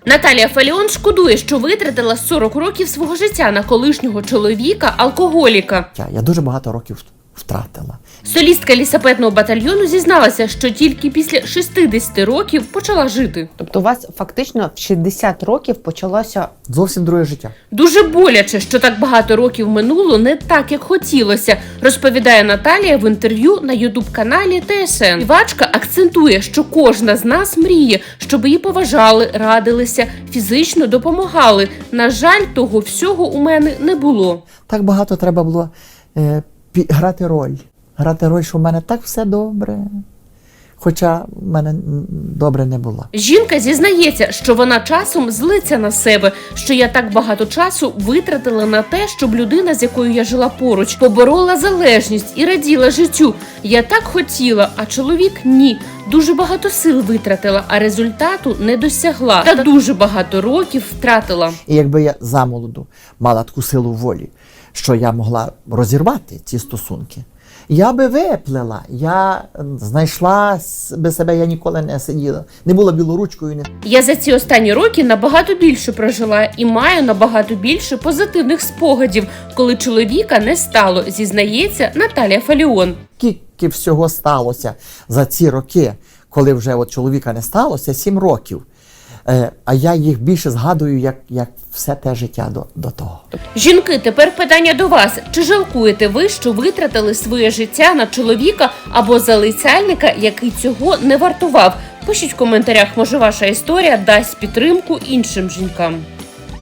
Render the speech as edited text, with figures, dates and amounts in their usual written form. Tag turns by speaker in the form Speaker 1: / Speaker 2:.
Speaker 1: Наталія Фаліон шкодує, що витратила 40 років свого життя на колишнього чоловіка-алкоголіка.
Speaker 2: Я дуже багато років втратила.
Speaker 1: Солістка лісапетного батальйону зізналася, що тільки після 60 років почала жити.
Speaker 3: Тобто у вас фактично в 60 років почалося...
Speaker 2: Зовсім друге життя.
Speaker 1: Дуже боляче, що так багато років минуло не так, як хотілося, розповідає Наталія в інтерв'ю на ютуб-каналі ТСН. Співачка акцентує, що кожна з нас мріє, щоб її поважали, радилися, фізично допомагали. На жаль, того всього у мене не було.
Speaker 2: Так багато треба було грати роль. Грати роль, що в мене так все добре. Хоча в мене добре не було.
Speaker 1: Жінка зізнається, що вона часом злиться на себе, що я так багато часу витратила на те, щоб людина, з якою я жила поруч, поборола залежність і раділа життю. Я так хотіла, а чоловік – ні. Дуже багато сил витратила, а результату не досягла. Та дуже багато років втратила.
Speaker 2: І якби я замолоду мала таку силу волі, що я могла розірвати ці стосунки, я би виплила, я знайшла би себе, я ніколи не сиділа, не була білоручкою.
Speaker 1: Я за ці останні роки набагато більше прожила і маю набагато більше позитивних спогадів, коли чоловіка не стало, зізнається Наталія Фаліон.
Speaker 2: Скільки всього сталося за ці роки, коли вже от чоловіка не сталося, 7 років. А я їх більше згадую, як все те життя до того.
Speaker 1: Жінки, тепер питання до вас. Чи жалкуєте ви, що витратили своє життя на чоловіка або залицяльника, який цього не вартував? Пишіть в коментарях, може ваша історія дасть підтримку іншим жінкам.